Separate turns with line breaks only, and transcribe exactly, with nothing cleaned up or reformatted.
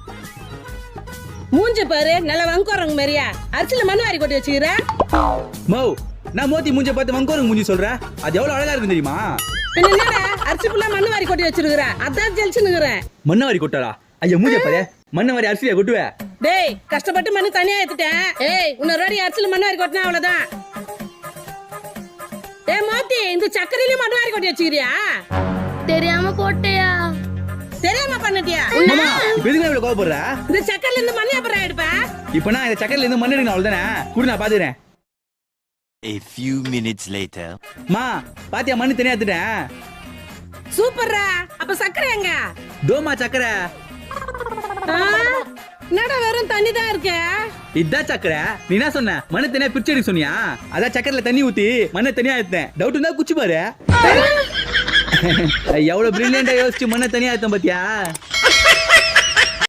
மூஞ்ச பாரு நல்ல வங்கோரங்க மாதிரியா அரிசியில மண்ணு வாரி கொட்டி வச்சுக்கிற.
மௌ நான் மோத்தி மூஞ்ச பார்த்து வங்கோரங்க மூஞ்சி சொல்றேன். அது எவ்வளவு அழகா இருக்கு தெரியுமா?
என்னடா அரிசி ஃபுல்லா மண்ணு வாரி கொட்டி வச்சிருக்கிற, அதான் ஜெலிச்சுனுக்குறேன்.
மண்ணு வாரி கொட்டாளா? ஐயா மூஞ்ச பாரு, மண்ணு வாரி அரிசியா கொட்டுவே?
டேய் கஷ்டப்பட்டு மண்ணு தனியா எடுத்துட்டேன். ஏய் இன்னொரு வாரி அரிசியில மண்ணு வாரி கொட்டினா அவ்வளவுதான். ஏய் மோத்தி இந்த சக்கரையில மண்ணு வாரி கொட்டி வச்சுக்கிறியா?
தெரியாம போட்டியா?
தெரியாம பண்ணிட்டியா?
மாமா இப்ப எதுக்கு இவ்வளவு கோவப்படுற?
இந்த சக்கரையில இருந்து மண்ணு எப்பறா எடுப்ப?
இப்ப நான் இந்த சக்கரையில இருந்து மண்ணு எடுக்கணும் அவ்வளவுதானே? குடு நான் பாத்துக்கிறேன்.
A few minutes later.
மா பாத்தியா மண்ணு தனியா எடுத்துட்டேன்.
சூப்பர்ரா. அப்ப சக்கரை எங்க?
தோமா சக்கரை.
என்னடா வெறும் தண்ணி தான் இருக்கு.
இதான் சக்கரை. நீ என்ன சொன்ன? மண்ணு தனியா பிரிச்சு எடுக்க சொன்னியா? அதான் சக்கரையில தண்ணி ஊத்தி மண்ணை தனியா எடுத்தேன். டவுட் இருந்தா குச்சி பாரு. எவ்வளவு பிரில்லியண்டா யோசிச்சு மண்ணை தனியா எடுத்தேன் பாத்தியா?